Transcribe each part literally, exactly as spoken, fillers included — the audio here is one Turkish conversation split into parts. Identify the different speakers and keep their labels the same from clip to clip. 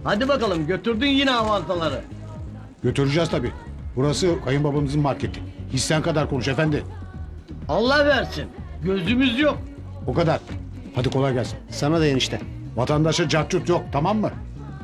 Speaker 1: Hadi bakalım, götürdün yine avantaları.
Speaker 2: Götüreceğiz tabii. Burası kayınbabamızın marketi. Hissen kadar konuş efendi.
Speaker 1: Allah versin. Gözümüz yok.
Speaker 2: O kadar. Hadi kolay gelsin.
Speaker 3: Sana da enişte.
Speaker 2: Vatandaşa cahçurt yok, tamam mı?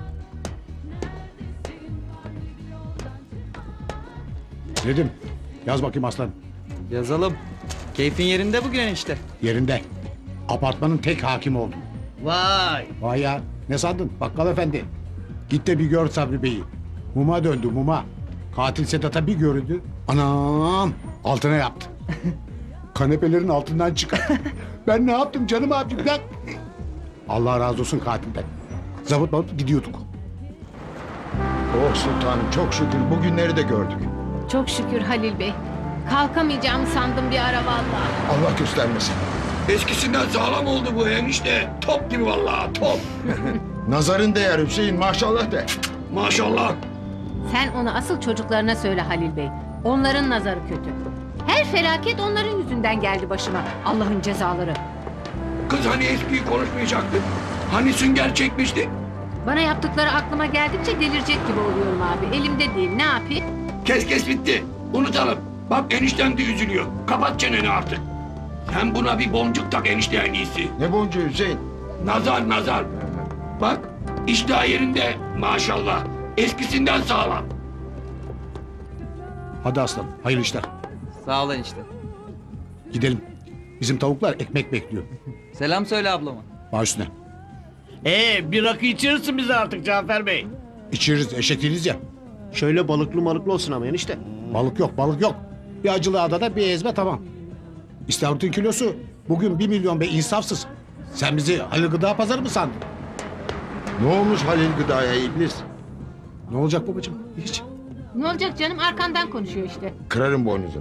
Speaker 2: Dedim. Yaz bakayım aslanım.
Speaker 4: Yazalım. Keyfin yerinde bugün enişte.
Speaker 2: Yerinde. Apartmanın tek hakimi oldum.
Speaker 1: Vay.
Speaker 2: Vay ya. Ne sandın bakkal efendi? Git de bir gör Sabri Bey'i. Muma döndü muma. Katil Sedat'a bir göründü. Anam altına yaptı. Kanepelerin altından çıkar. Ben ne yaptım canım abicim lan? Allah razı olsun katilden. Zabıt babıt gidiyorduk.
Speaker 5: Oh sultanım çok şükür bugünleri de gördük.
Speaker 6: Çok şükür Halil Bey. Kalkamayacağımı sandım bir ara vallahi.
Speaker 5: Allah göstermesin.
Speaker 7: Eskisinden sağlam oldu bu enişte. Top gibi vallahi top.
Speaker 5: Nazarın değer Hüseyin maşallah de.
Speaker 7: Maşallah.
Speaker 6: Sen onu asıl çocuklarına söyle Halil Bey. Onların nazarı kötü. Her felaket onların yüzünden geldi başıma. Allah'ın cezaları.
Speaker 7: Kız hani eskiyi konuşmayacaktık. Hani sünger çekmiştik.
Speaker 6: Bana yaptıkları aklıma geldikçe delirecek gibi oluyorum abi. Elimde değil, ne yapayım?
Speaker 7: Kes kes bitti. Unutalım. Bak enişten de üzülüyor. Kapat çeneni artık. Sen buna bir boncuk tak enişte en iyisi.
Speaker 5: Ne boncuğu Hüseyin?
Speaker 7: Nazar nazar. Bak iştah yerinde maşallah. Eskisinden sağlam.
Speaker 2: Hadi aslanım hayırlı işler.
Speaker 4: Sağ ol enişte.
Speaker 2: Gidelim. Bizim tavuklar ekmek bekliyor.
Speaker 4: Selam söyle ablama.
Speaker 2: Baş üstüne.
Speaker 1: Ee, bir rakı içirirsin bize artık Cafer Bey.
Speaker 2: İçeriz eşek değiliz ya.
Speaker 3: Şöyle balıklı malıklı olsun ama enişte.
Speaker 2: Balık yok balık yok. Bir acılı adada bir ezme tamam. İstavrit'in kilosu bugün bir milyon be insafsız. Sen bizi Halil Gıda Pazarı mı sandın?
Speaker 5: Ne olmuş Halil Gıda'ya iblis?
Speaker 2: Ne olacak babacığım? Hiç.
Speaker 6: Ne olacak canım, arkandan konuşuyor işte.
Speaker 5: Kırarım boynuzunu.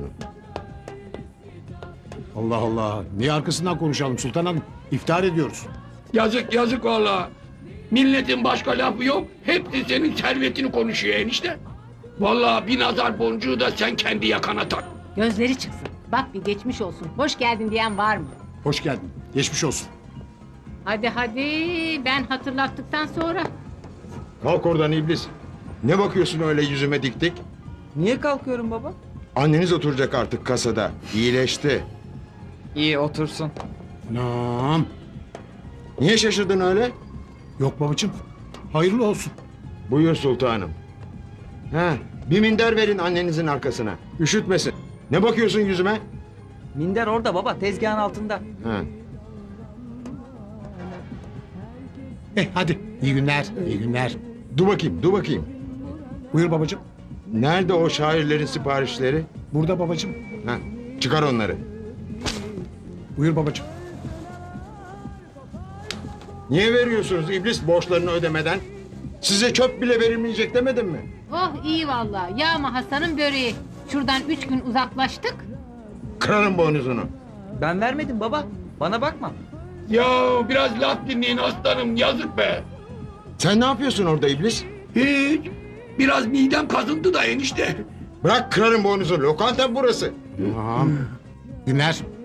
Speaker 2: Allah Allah. Niye arkasından konuşalım Sultan Hanım? İftihar ediyoruz.
Speaker 7: Yazık yazık vallahi. Milletin başka lafı yok. Hepsi senin servetini konuşuyor enişte. Vallahi bir nazar boncuğu da sen kendi yakana tak.
Speaker 6: Gözleri çıksın. Bak bir geçmiş olsun. Hoş geldin diyen var mı?
Speaker 2: Hoş geldin. Geçmiş olsun.
Speaker 6: Hadi hadi, ben hatırlattıktan sonra.
Speaker 5: Kalk oradan iblis. Ne bakıyorsun öyle yüzüme dik dik?
Speaker 4: Niye kalkıyorum baba?
Speaker 5: Anneniz oturacak artık kasada. İyileşti.
Speaker 4: İyi otursun.
Speaker 2: Anam.
Speaker 5: Niye şaşırdın öyle?
Speaker 2: Yok babacığım. Hayırlı olsun.
Speaker 5: Buyur sultanım. Ha, bir minder verin annenizin arkasına. Üşütmesin. Ne bakıyorsun yüzüme?
Speaker 4: Minder orada baba, tezgahın altında.
Speaker 5: Ha.
Speaker 2: Eh hadi. İyi günler. İyi günler.
Speaker 5: Dur bakayım, dur bakayım.
Speaker 2: Buyur babacığım.
Speaker 5: Nerede o şairlerin siparişleri?
Speaker 2: Burada babacığım.
Speaker 5: Ha, çıkar onları.
Speaker 2: Buyur babacığım.
Speaker 5: Niye veriyorsunuz iblis borçlarını ödemeden? Size çöp bile verilmeyecek demedim mi?
Speaker 6: Oh iyi vallahi. Yağma Hasan'ın böreği. Şuradan üç gün uzaklaştık.
Speaker 5: Kırarım boynuzunu.
Speaker 4: Ben vermedim baba. Bana bakma.
Speaker 7: Ya biraz laf dinleyin aslanım yazık be.
Speaker 5: Sen ne yapıyorsun orada iblis?
Speaker 7: Hiç. Biraz midem kazındı da enişte.
Speaker 5: Bırak kırarım boynuzunu. Lokanta burası.
Speaker 2: Tamam. Günler.